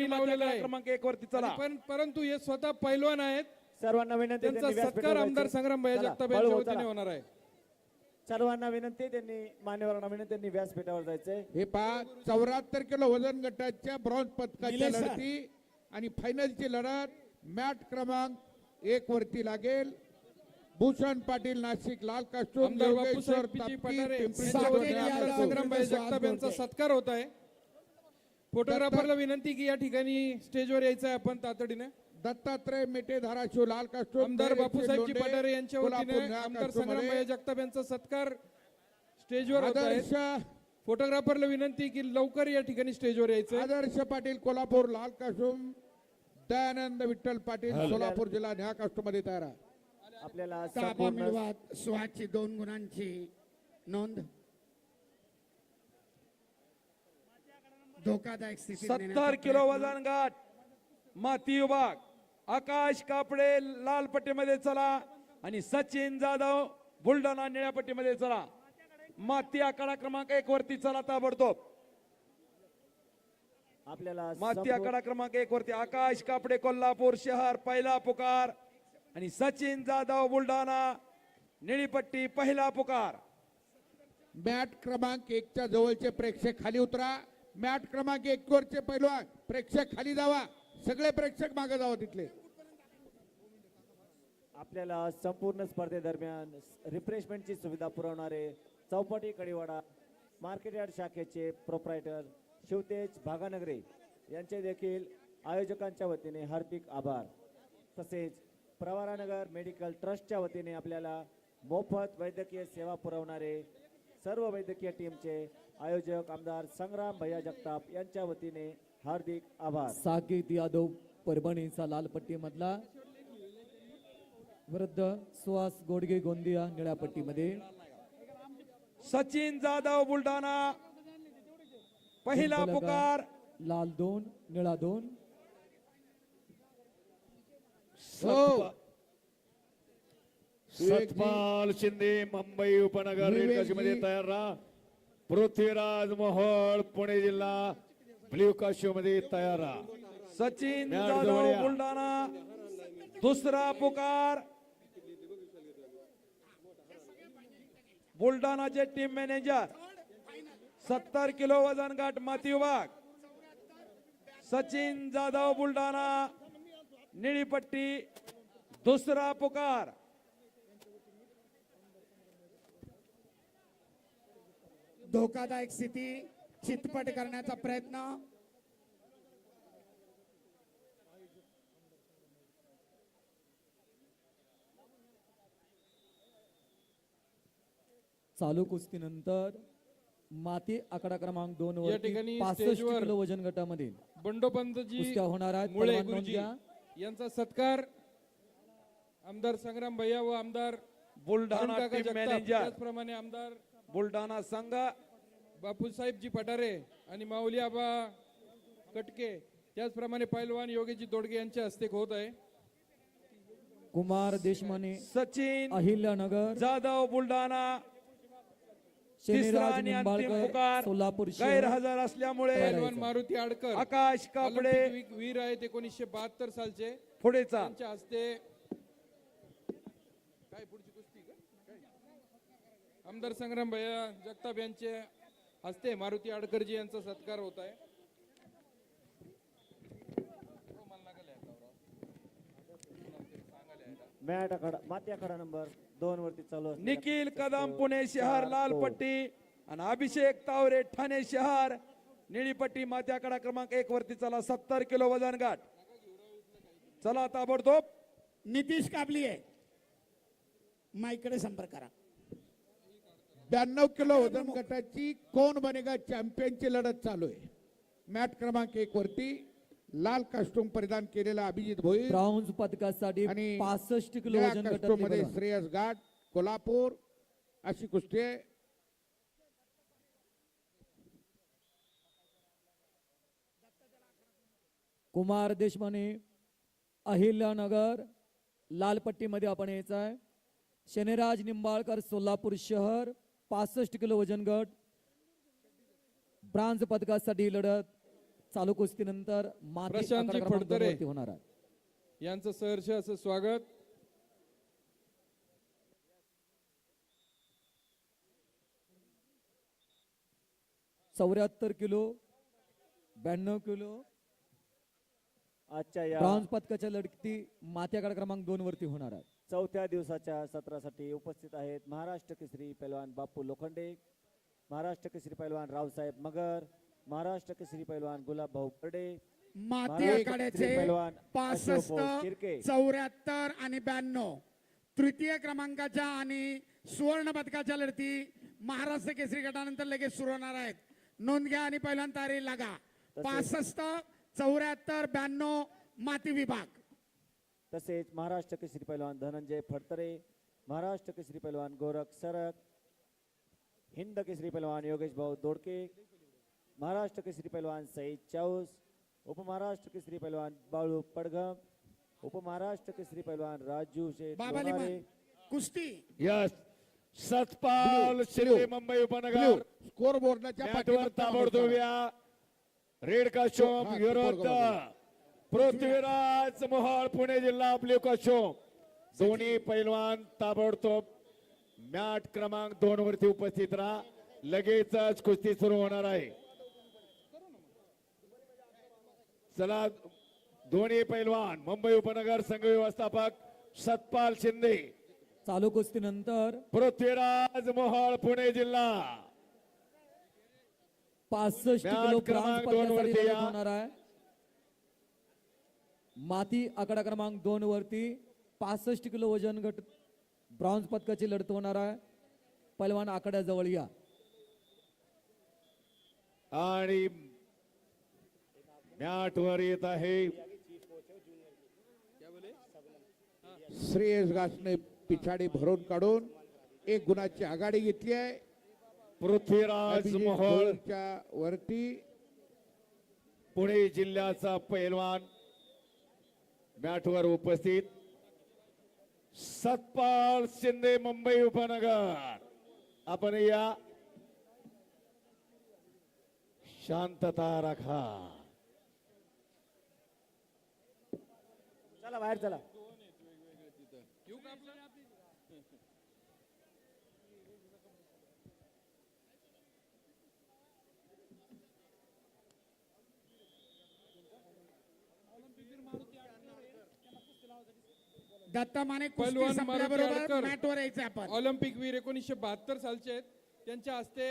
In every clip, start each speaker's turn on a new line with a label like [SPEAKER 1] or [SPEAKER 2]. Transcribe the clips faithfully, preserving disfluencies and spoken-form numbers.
[SPEAKER 1] त्यांनी लावलेला आहे
[SPEAKER 2] क्रमांक एक वरती चला.
[SPEAKER 1] पण परंतु हे स्वतः पैलवान आहेत,
[SPEAKER 3] सर्वांना विनंती
[SPEAKER 1] त्यांचा
[SPEAKER 3] त्यांनी
[SPEAKER 1] सत्कार
[SPEAKER 3] व्यासपीठावर
[SPEAKER 1] आमदार
[SPEAKER 3] जायचं.
[SPEAKER 1] संग्राम भैया
[SPEAKER 3] चला,
[SPEAKER 1] जगताप
[SPEAKER 3] हळू
[SPEAKER 1] यांच्या
[SPEAKER 3] हळू
[SPEAKER 1] वतीने
[SPEAKER 3] चला.
[SPEAKER 1] होणार आहे.
[SPEAKER 3] सर्वांना विनंती त्यांनी मान्यवरांना विनंती त्यांनी व्यासपीठावर जायचंय.
[SPEAKER 4] हे पहा चौऱ्याहत्तर किलो वजन गटाच्या ब्रॉन्झ पदकाच्या लढती आणि फायनलची लढत मॅट क्रमांक एक वरती लागेल. भूषण पाटील नाशिक लाल कास्टूम,
[SPEAKER 1] आमदार
[SPEAKER 4] योगेश्वर
[SPEAKER 1] बापूसाहेब पिची पठारे
[SPEAKER 4] पिंपरी
[SPEAKER 1] यांच्या वतीने
[SPEAKER 4] चिंचवड,
[SPEAKER 1] आमदार
[SPEAKER 4] नाशिक.
[SPEAKER 1] संग्राम भैया जगताप यांचा सत्कार होत आहे. फोटोग्राफरला विनंती की या ठिकाणी स्टेजवर यायचं आहे आपण तातडीने.
[SPEAKER 4] दत्तात्रय मेटे धाराशिव लाल कास्टूम,
[SPEAKER 1] आमदार बापूसाहेबजी
[SPEAKER 4] लोंढे,
[SPEAKER 1] पठारे यांच्या
[SPEAKER 4] कोल्हापूर
[SPEAKER 1] वतीने
[SPEAKER 4] निळा
[SPEAKER 1] आमदार
[SPEAKER 4] कास्टूम
[SPEAKER 1] संग्राम
[SPEAKER 4] मध्ये.
[SPEAKER 1] भैया जगताप यांचा सत्कार स्टेजवर होत आहे.
[SPEAKER 4] आदर्श
[SPEAKER 1] फोटोग्राफरला विनंती की लवकर या ठिकाणी स्टेजवर यायचं.
[SPEAKER 4] आदर्श पाटील कोल्हापूर लाल कास्टूम, दयानंद विठ्ठल पाटील सोलापूर जिल्हा निळा कास्टूम मध्ये तयार आहे.
[SPEAKER 3] आपल्याला
[SPEAKER 5] ताबा
[SPEAKER 3] संपूर्ण
[SPEAKER 5] मिळवा स्वाची दोन गुणांची नोंद. धोकादायक स्थिती
[SPEAKER 2] सत्तर किलो वजन गट माती विभाग आकाश कापडे लाल पट्टीमध्ये चला आणि सचिन जाधव बुलढाणा निळ्या पट्टीमध्ये चला. माती आखाडा क्रमांक एक वरती चला ताबडतोब.
[SPEAKER 3] आपल्याला
[SPEAKER 2] माती
[SPEAKER 3] संपूर्ण-
[SPEAKER 2] आखाडा क्रमांक एक वरती आकाश कापडे कोल्हापूर शहर पहिला पुकार आणि सचिन जाधव बुलढाणा निळीपट्टी पहिला पुकार.
[SPEAKER 4] मॅट क्रमांक एकच्या जवळचे प्रेक्षक खाली उतरा. मॅट क्रमांक एक वरचे पैलवान प्रेक्षक खाली जावा. सगळे प्रेक्षक मागे जावा तिथले.
[SPEAKER 3] आपल्याला संपूर्ण स्पर्धेदरम्यान रिफ्रेशमेंटची सुविधा पुरवणारे चौपाटी कडिवाडा मार्केट यार्ड शाखेचे प्रोप्रायटर शिवतेज भागानगरे यांचे देखील आयोजकांच्या वतीने हार्दिक आभार. तसेच प्रवारानगर मेडिकल ट्रस्टच्या वतीने आपल्याला मोफत वैद्यकीय सेवा पुरवणारे सर्व वैद्यकीय टीमचे आयोजक आमदार संग्राम भैया जगताप यांच्या वतीने हार्दिक आभार.
[SPEAKER 6] साकेत यादव परभणीचा लालपट्टी मधला, वृद्ध सुहास गोडगे गोंदिया निळ्या पट्टीमध्ये,
[SPEAKER 2] सचिन जाधव बुलढाणा पहिला पुकार.
[SPEAKER 6] लाल दोन निळा दोन.
[SPEAKER 4] हो.
[SPEAKER 7] सतपाल शिंदे मुंबई उपनगर रेड मध्ये तयार राहा. पृथ्वीराज मोहोळ पुणे जिल्हा ब्ल्यू काश्यू मध्ये तयार राहा.
[SPEAKER 2] सचिन
[SPEAKER 7] मॅट
[SPEAKER 2] जाधव
[SPEAKER 7] जवळ या.
[SPEAKER 2] बुलढाणा दुसरा पुकार. बुलढाणाचे टीम मॅनेजर सत्तर किलो वजन गट माती विभाग सचिन जाधव बुलढाणा निळीपट्टी दुसरा पुकार.
[SPEAKER 5] धोकादायक स्थिती चितपट करण्याचा प्रयत्न.
[SPEAKER 6] चालू कुस्तीनंतर माती आकडा क्रमांक दोन
[SPEAKER 1] या
[SPEAKER 6] वरती
[SPEAKER 1] ठिकाणी
[SPEAKER 6] पासष्ट
[SPEAKER 1] स्टेजवर
[SPEAKER 6] किलो वजन गटामध्ये
[SPEAKER 1] बंडोपंतजी
[SPEAKER 6] कुस्त्या होणार आहेत.
[SPEAKER 1] मुळे
[SPEAKER 6] परवानगी
[SPEAKER 1] गुरुजी
[SPEAKER 6] द्या.
[SPEAKER 1] यांचा सत्कार आमदार संग्राम भैया व आमदार
[SPEAKER 2] बुलढाणा
[SPEAKER 1] अरुण काका
[SPEAKER 2] टीम
[SPEAKER 1] जगताप,
[SPEAKER 2] मॅनेजर
[SPEAKER 1] त्याचप्रमाणे आमदार
[SPEAKER 2] बुलढाणा संघ
[SPEAKER 1] बापूसाहेबजी पठारे आणि माऊली आबा कटके, त्याचप्रमाणे पैलवान योगेशजी दोडगे यांच्या हस्ते होत आहे.
[SPEAKER 6] कुमार देशमाने
[SPEAKER 2] सचिन
[SPEAKER 6] अहिल्यानगर,
[SPEAKER 2] जाधव बुलढाणा तिसरा
[SPEAKER 6] शनिराज
[SPEAKER 2] आणि अंतिम
[SPEAKER 6] निंबाळकर
[SPEAKER 2] पुकार
[SPEAKER 6] सोलापूर शहर.
[SPEAKER 2] गैरहजर असल्यामुळे
[SPEAKER 1] पैलवान मारुती आडकर
[SPEAKER 2] आकाश कापडे
[SPEAKER 1] ऑलिम्पिक वीर आहेत एकोणीसशे बहात्तर सालचे,
[SPEAKER 2] पुढेचा
[SPEAKER 1] त्यांच्या हस्ते काय पुढची कुस्ती का? काय? आमदार संग्राम भैया जगताप यांचे हस्ते मारुती आडकरजी यांचा सत्कार होत आहे.
[SPEAKER 3] मॅट आखाडा माती आखाडा नंबर दोन वरती चालू असलेल्या
[SPEAKER 2] निखिल कदम
[SPEAKER 3] तो
[SPEAKER 2] पुणे शहर
[SPEAKER 3] चार
[SPEAKER 2] लाल
[SPEAKER 3] तो.
[SPEAKER 2] पट्टी आणि अभिषेक तावरे ठाणे शहर निळीपट्टी मात्याकडा क्रमांक एक वरती चला. सत्तर किलो वजन गाठ चला ताबडतोब.
[SPEAKER 5] नितीश काबलीये माईकडे संपर्क करा.
[SPEAKER 4] ब्याण्णव किलो वजन गटाची कोण बनेगा चॅम्पियनची लढत चालू आहे. मॅट क्रमांक एक वरती लाल कास्टूम परिधान केलेला अभिजित भोईर
[SPEAKER 6] ब्राऊन्ज पदकासाठी
[SPEAKER 4] आणि
[SPEAKER 6] पासष्ट किलो
[SPEAKER 4] निळ्या
[SPEAKER 6] वजन
[SPEAKER 4] कास्टूम मध्ये
[SPEAKER 6] गटामध्ये
[SPEAKER 4] श्रेयस घाट कोल्हापूर अशी कुस्ती आहे.
[SPEAKER 6] कुमार देशमाने अहिल्यानगर लालपट्टीमध्ये आपण यायचं आहे. शनिराज निंबाळकर सोलापूर शहर पासष्ट किलो वजन गट ब्रांज पदकासाठी लढत चालू कुस्तीनंतर माती
[SPEAKER 1] प्रशांतजी
[SPEAKER 6] आकडा क्रमांक दोन
[SPEAKER 1] फडतरे.
[SPEAKER 6] वरती होणार आहे.
[SPEAKER 1] यांचं सहर्ष असं स्वागत.
[SPEAKER 6] चौऱ्याहत्तर किलो, ब्याण्णव किलो
[SPEAKER 3] आजच्या या
[SPEAKER 6] ब्रॉन्झ पदकाच्या लढती माती आकडा क्रमांक दोन वरती होणार आहे.
[SPEAKER 3] चौथ्या दिवसाच्या सत्रासाठी उपस्थित आहेत महाराष्ट्र केसरी पैलवान बापू लोखंडे, महाराष्ट्र केसरी पैलवान रावसाहेब मगर, महाराष्ट्र केसरी पैलवान गुलाब भाऊ बर्डे,
[SPEAKER 5] माती
[SPEAKER 3] महाराष्ट्र
[SPEAKER 5] आखाड्याचे
[SPEAKER 3] केसरी पैलवान
[SPEAKER 5] पासष्ट
[SPEAKER 3] अशोक भाऊ शिर्के.
[SPEAKER 5] चौऱ्याहत्तर आणि ब्याण्णव तृतीय क्रमांकाच्या आणि सुवर्ण पदकाच्या लढती महाराष्ट्र केसरी गटानंतर लगेच सुरू होणार आहेत. नोंद घ्या आणि पहिल्यांदा तयारी लागा. पासष्ट चौऱ्याहत्तर ब्याण्णव माती विभाग.
[SPEAKER 3] तसेच महाराष्ट्र केसरी पैलवान धनंजय फडतरे, महाराष्ट्र केसरी पैलवान गोरख सरक, हिंद केसरी पैलवान योगेश भाऊ दोडके, महाराष्ट्र केसरी पैलवान सईद चाऊस, उपमहाराष्ट्र केसरी पैलवान बाळू पडघम, उपमहाराष्ट्र केसरी पैलवान राजू शेठ
[SPEAKER 5] बाबा
[SPEAKER 3] लोणारे,
[SPEAKER 5] लिमन कुस्ती
[SPEAKER 7] यस सतपाल शिंदे मुंबई उपनगर
[SPEAKER 4] स्कोर बोर्डाच्या
[SPEAKER 7] मॅटवर ताबडतोब या. रेड काशोम
[SPEAKER 4] हा,
[SPEAKER 7] विरोध पृथ्वीराज मोहोळ पुणे जिल्हा ब्ल्यू काशोम दोन्ही पैलवान ताबडतोब मॅट क्रमांक दोन वरती उपस्थित राहा. लगेचच कुस्ती सुरू होणार आहे. चला दोन्ही पैलवान मुंबई उपनगर संघ व्यवस्थापक सतपाल शिंदे,
[SPEAKER 6] चालू कुस्तीनंतर
[SPEAKER 7] पृथ्वीराज मोहोळ पुणे जिल्हा
[SPEAKER 6] पासष्ट
[SPEAKER 7] मॅच
[SPEAKER 6] किलो
[SPEAKER 7] क्रमांक
[SPEAKER 6] ब्रॉन्झ
[SPEAKER 7] दोन
[SPEAKER 6] पदकासाठी
[SPEAKER 7] वरती
[SPEAKER 6] लढत
[SPEAKER 7] या.
[SPEAKER 6] होणार आहे. माती आकडा क्रमांक दोन वरती पासष्ट किलो वजन गट ब्रॉन्झ पदकाची लढत होणार आहे. पैलवान आकड्याजवळ या.
[SPEAKER 7] आणि मॅट वर येत आहे
[SPEAKER 4] श्रेयस घासने पिछाडी भरून काढून एक गुणाची आघाडी घेतली आहे.
[SPEAKER 7] पृथ्वीराज
[SPEAKER 4] अभिजित
[SPEAKER 7] मोहोळ
[SPEAKER 4] भोईरच्या वरती
[SPEAKER 7] पुणे जिल्ह्याचा पैलवान मॅटवर उपस्थित. सतपाल शिंदे मुंबई उपनगर आपण या. शांतता राखा.
[SPEAKER 3] चला बाहेर चला.
[SPEAKER 5] दत्ता माने कुस्ती
[SPEAKER 1] पैलवान मारुती
[SPEAKER 5] संपल्याबरोबर
[SPEAKER 1] आडकर.
[SPEAKER 5] मॅटवर यायचं आपण.
[SPEAKER 1] ऑलिम्पिक वीर एकोणीसशे बहात्तर सालचे आहेत. त्यांच्या हस्ते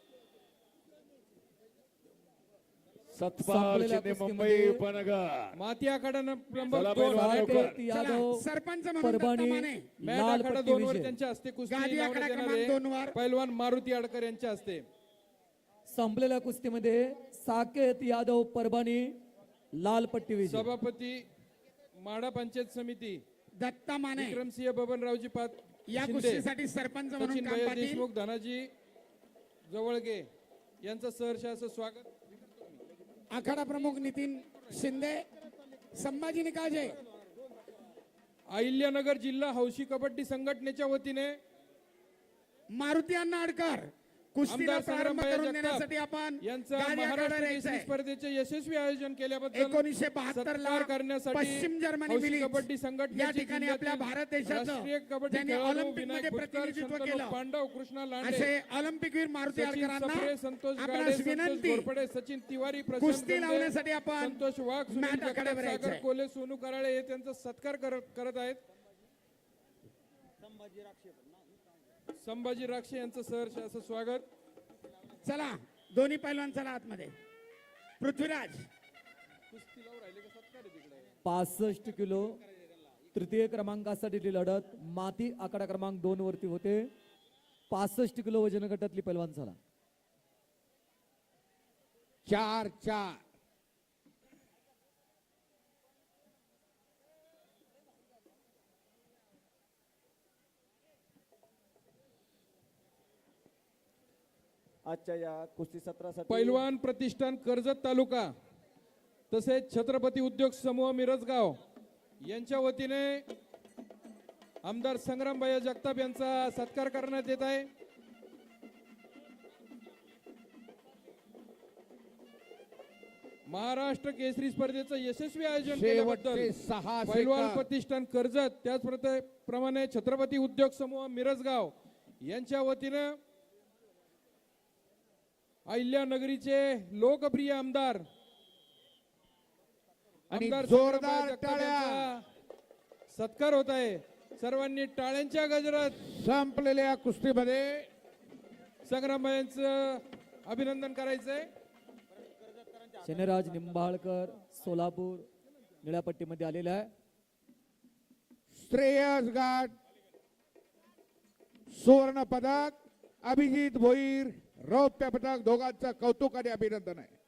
[SPEAKER 7] सतपाल
[SPEAKER 6] संपलेल्या
[SPEAKER 7] शिंदे मुंबई
[SPEAKER 6] कुस्तीमध्ये
[SPEAKER 7] उपनगर.
[SPEAKER 1] माती आखाडा नंबर
[SPEAKER 7] चला
[SPEAKER 1] दोन
[SPEAKER 7] पैलवान
[SPEAKER 1] मॅट
[SPEAKER 7] लवकर.
[SPEAKER 6] साकेत यादव
[SPEAKER 5] सरपंच म्हणून दत्ता
[SPEAKER 6] परभणी
[SPEAKER 5] माने
[SPEAKER 6] लाल
[SPEAKER 1] आखाडा
[SPEAKER 6] पट्टी
[SPEAKER 1] दोन वर
[SPEAKER 6] विजय.
[SPEAKER 1] त्यांच्या हस्ते कुस्ती
[SPEAKER 5] गादी आखाडा
[SPEAKER 1] लावण्यात येणार
[SPEAKER 5] क्रमांक दोन
[SPEAKER 1] आहे.
[SPEAKER 5] वर.
[SPEAKER 1] पैलवान मारुती आडकर यांच्या हस्ते.
[SPEAKER 6] संपलेल्या कुस्तीमध्ये साकेत यादव परभणी लाल पट्टी विजय.
[SPEAKER 1] सभापती माडा पंचायत समिती
[SPEAKER 5] दत्ता माने
[SPEAKER 1] विक्रमसिंह बबनरावजी पाट
[SPEAKER 5] या
[SPEAKER 1] शिंदे,
[SPEAKER 5] कुस्तीसाठी सरपंच म्हणून
[SPEAKER 1] सचिन
[SPEAKER 5] काम
[SPEAKER 1] भैया
[SPEAKER 5] पाटील.
[SPEAKER 1] देशमुख, धनाजी जवळगे यांचं सहर्ष असं स्वागत.
[SPEAKER 5] आखाडा प्रमुख नितीन शिंदे, संभाजी निकाजे.
[SPEAKER 1] अहिल्यानगर जिल्हा हौशी कबड्डी संघटनेच्या वतीने
[SPEAKER 5] मारुती अण्णा आडकर कुस्तीला
[SPEAKER 1] आमदार
[SPEAKER 5] प्रारंभ
[SPEAKER 1] संग्रामभाई
[SPEAKER 5] करून
[SPEAKER 1] जगताप
[SPEAKER 5] देण्यासाठी आपण
[SPEAKER 1] यांचं
[SPEAKER 5] गादी आखाडा
[SPEAKER 1] महाराष्ट्र
[SPEAKER 5] यायचं
[SPEAKER 1] केसरी
[SPEAKER 5] आहे.
[SPEAKER 1] स्पर्धेचे यशस्वी आयोजन केल्याबद्दल
[SPEAKER 5] एकोणीसशे बहात्तर ला
[SPEAKER 1] सत्कार करण्यासाठी
[SPEAKER 5] पश्चिम जर्मनी
[SPEAKER 1] हौशी
[SPEAKER 5] मिलीच
[SPEAKER 1] कबड्डी संघटनेचे
[SPEAKER 5] या ठिकाणी आपल्या
[SPEAKER 1] जिल्ह्यातील
[SPEAKER 5] भारत देशाचं
[SPEAKER 1] राष्ट्रीय कबड्डी
[SPEAKER 5] ज्यांनी
[SPEAKER 1] खेळाडू
[SPEAKER 5] ऑलिम्पिक
[SPEAKER 1] विनायक
[SPEAKER 5] मध्ये
[SPEAKER 1] भुतकर,
[SPEAKER 5] प्रतिनिधित्व
[SPEAKER 1] शंतनू
[SPEAKER 5] केलं
[SPEAKER 1] पांडव, कृष्णा लांडे,
[SPEAKER 5] असे ऑलिम्पिक वीर मारुती
[SPEAKER 1] सचिन
[SPEAKER 5] आडकरांना
[SPEAKER 1] सप्रे, संतोष गाडे,
[SPEAKER 5] आपणास
[SPEAKER 1] संतोष
[SPEAKER 5] विनंती
[SPEAKER 1] घोरपडे, सचिन तिवारी, प्रशांत
[SPEAKER 5] कुस्ती
[SPEAKER 1] गंडे,
[SPEAKER 5] लावण्यासाठी आपण
[SPEAKER 1] संतोष वाघ, सुनील
[SPEAKER 5] मॅट
[SPEAKER 1] जगताप,
[SPEAKER 5] आखाड्यावर यायचं
[SPEAKER 1] सागर
[SPEAKER 5] आहे.
[SPEAKER 1] कोले, सोनू कराळे हे त्यांचा सत्कार करत करत आहेत. संभाजी राक्षे यांचं सहर्ष असं स्वागत.
[SPEAKER 5] चला दोन्ही पैलवान चला आतमध्ये. पृथ्वीराज
[SPEAKER 6] पासष्ट किलो तृतीय क्रमांकासाठी ती लढत माती आकडा क्रमांक दोन वरती होते. पासष्ट किलो वजन गटातली पैलवान झाला.
[SPEAKER 4] चार चार
[SPEAKER 3] आजच्या या कुस्ती सत्रासाठी
[SPEAKER 1] पैलवान प्रतिष्ठान कर्जत तालुका तसेच छत्रपती उद्योग समूह मिरजगाव यांच्या वतीने आमदार संग्रामभाई जगताप यांचा सत्कार करण्यात येत आहे. महाराष्ट्र केसरी स्पर्धेचं यशस्वी आयोजन
[SPEAKER 4] शेवटचे
[SPEAKER 1] केल्याबद्दल
[SPEAKER 4] सहा
[SPEAKER 1] पैलवान
[SPEAKER 4] सेकंद.
[SPEAKER 1] प्रतिष्ठान कर्जत त्याचप्रमाणे छत्रपती उद्योग समूह मिरजगाव यांच्या वतीनं अहिल्यानगरीचे लोकप्रिय आमदार
[SPEAKER 4] आणि
[SPEAKER 1] आमदार
[SPEAKER 4] जोरदार
[SPEAKER 1] संग्रामभाई जगताप
[SPEAKER 4] टाळ्या.
[SPEAKER 1] यांचा सत्कार होत आहे. सर्वांनी टाळ्यांच्या गजरात
[SPEAKER 4] संपलेल्या कुस्तीमध्ये
[SPEAKER 1] संग्रामभाई यांचं अभिनंदन करायचंय.
[SPEAKER 6] शनिराज निंबाळकर सोलापूर निळ्या पट्टीमध्ये आलेला आहे.
[SPEAKER 4] श्रेयस घाट सुवर्ण पदक, अभिजित भोईर रौप्य पदक, दोघांचं कौतुक आणि अभिनंदन आहे.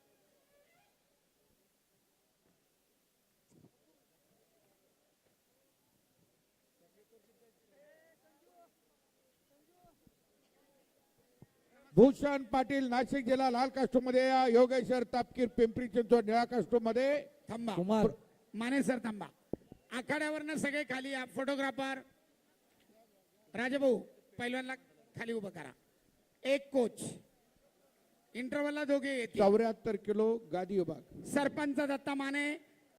[SPEAKER 4] भूषण पाटील नाशिक जिल्हा लाल कास्टूम मध्ये या, योगेश्वर तापकीर पिंपरी चिंचवड निळ्या कास्टूम मध्ये.
[SPEAKER 5] थांबा
[SPEAKER 6] कुमार
[SPEAKER 5] माने सर थांबा. आखाड्यावरनं सगळे खाली या. फोटोग्राफर राजाभाऊ पैलवानला खाली उभं करा. एक कोच इंटरव्हलला दोघे येतील.
[SPEAKER 4] चौऱ्याहत्तर किलो गादी विभाग.
[SPEAKER 5] सरपंच दत्ता माने